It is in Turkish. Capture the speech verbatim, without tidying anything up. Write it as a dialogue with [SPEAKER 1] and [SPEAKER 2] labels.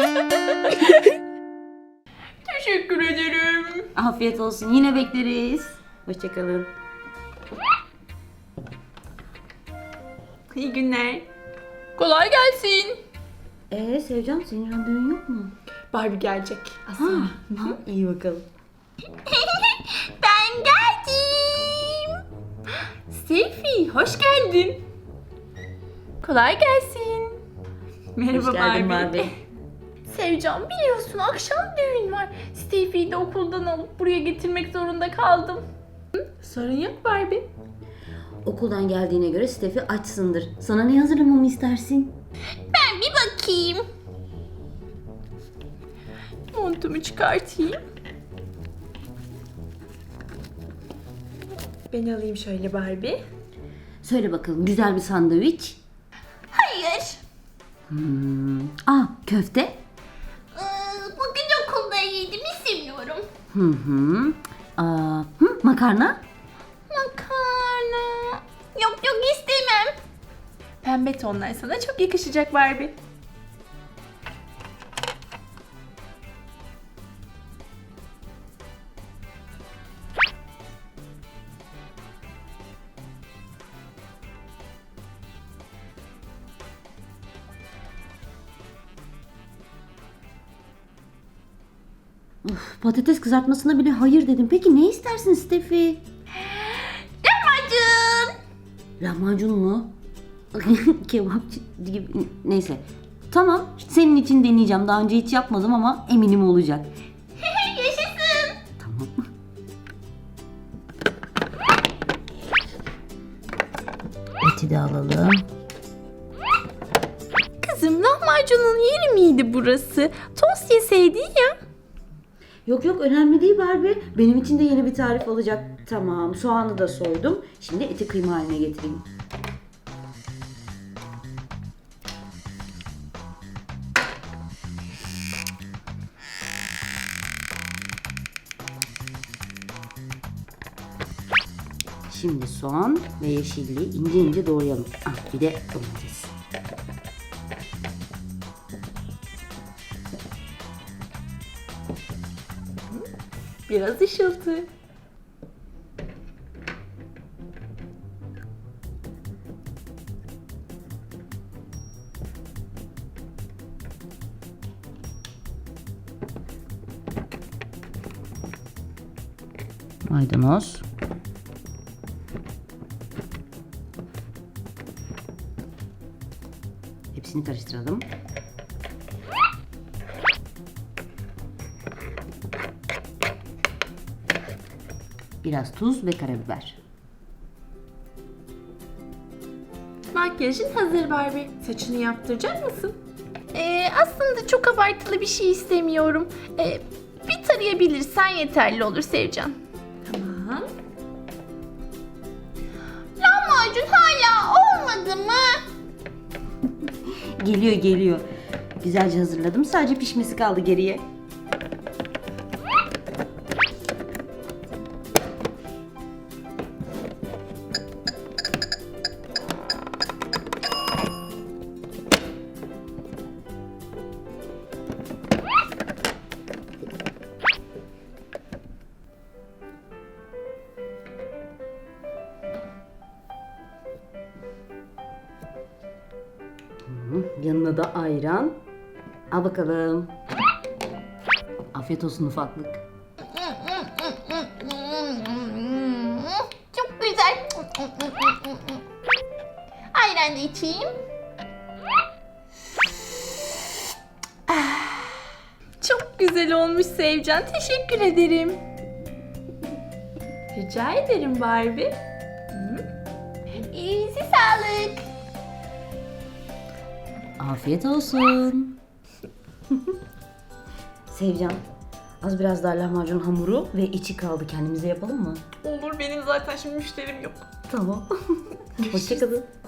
[SPEAKER 1] Teşekkür ederim.
[SPEAKER 2] Afiyet olsun. Yine bekleriz. Hoşçakalın.
[SPEAKER 1] İyi günler. Kolay gelsin.
[SPEAKER 2] Ee Sevcan, senin randevun yok mu?
[SPEAKER 1] Barbie gelecek.
[SPEAKER 2] Ha,
[SPEAKER 1] Aslında.
[SPEAKER 2] ha, iyi bakalım.
[SPEAKER 1] Ben geldim. Seyfi, hoş geldin. Kolay gelsin. Merhaba
[SPEAKER 2] Hoş geldin
[SPEAKER 1] Barbie.
[SPEAKER 2] Barbie.
[SPEAKER 1] Sevcan, biliyorsun akşam düğün var. Stevie'yi de okuldan alıp buraya getirmek zorunda kaldım. Hı? Sorun yok Barbie.
[SPEAKER 2] Okuldan geldiğine göre Steffi açsındır. Sana ne hazırlamamı istersin?
[SPEAKER 1] Ben bir bakayım. Montumu çıkartayım. Ben alayım şöyle Barbie.
[SPEAKER 2] Söyle bakalım, güzel bir sandviç.
[SPEAKER 1] Hayır.
[SPEAKER 2] Hmm. Aa, köfte.
[SPEAKER 1] Ee, bugün okulda yedim, istemiyorum.
[SPEAKER 2] Hı hı. Aa, hı, makarna.
[SPEAKER 1] Makarna. Yok yok, istemem. Pembe tonlar sana çok yakışacak Barbie.
[SPEAKER 2] Uf, patates kızartmasına bile hayır dedim. Peki ne istersin Steffi?
[SPEAKER 1] Lahmacun.
[SPEAKER 2] Lahmacun mu? Kebapçı gibi. Neyse. Tamam. Senin için deneyeceğim. Daha önce hiç yapmadım ama eminim olacak.
[SPEAKER 1] Yaşasın.
[SPEAKER 2] Tamam. Eti de alalım.
[SPEAKER 1] Kızım, lahmacunun yeri miydi burası? Tost yeseydin ya.
[SPEAKER 2] Yok yok, önemli değil Barbie. Benim için de yeni bir tarif olacak. Tamam, soğanı da soydum. Şimdi eti kıyma haline getireyim. Şimdi soğan ve yeşilliği ince ince doğrayalım. Ah, bir de domates.
[SPEAKER 1] Biraz ışıltı.
[SPEAKER 2] Maydanoz. Hepsini karıştıralım. Biraz tuz ve karabiber.
[SPEAKER 1] Makyajın hazır Barbie. Saçını yaptıracak mısın? Ee, aslında çok abartılı bir şey istemiyorum. Ee, bir tarayabilirsen yeterli olur Sevcan. Tamam. Lahmacun hala olmadı mı?
[SPEAKER 2] Geliyor geliyor. Güzelce hazırladım. Sadece pişmesi kaldı geriye. Yanına da ayran. Al bakalım. Afiyet olsun ufaklık.
[SPEAKER 1] Çok güzel. Ayran da içeyim. Çok güzel olmuş Sevcan. Teşekkür ederim. Rica ederim Barbie. İyisi sağlık.
[SPEAKER 2] Afiyet olsun. Sevcan, az biraz daha lahmacun hamuru ve içi kaldı. Kendimize yapalım mı?
[SPEAKER 1] Olur, benim zaten şimdi müşterim yok.
[SPEAKER 2] Tamam. Hoşçakalın.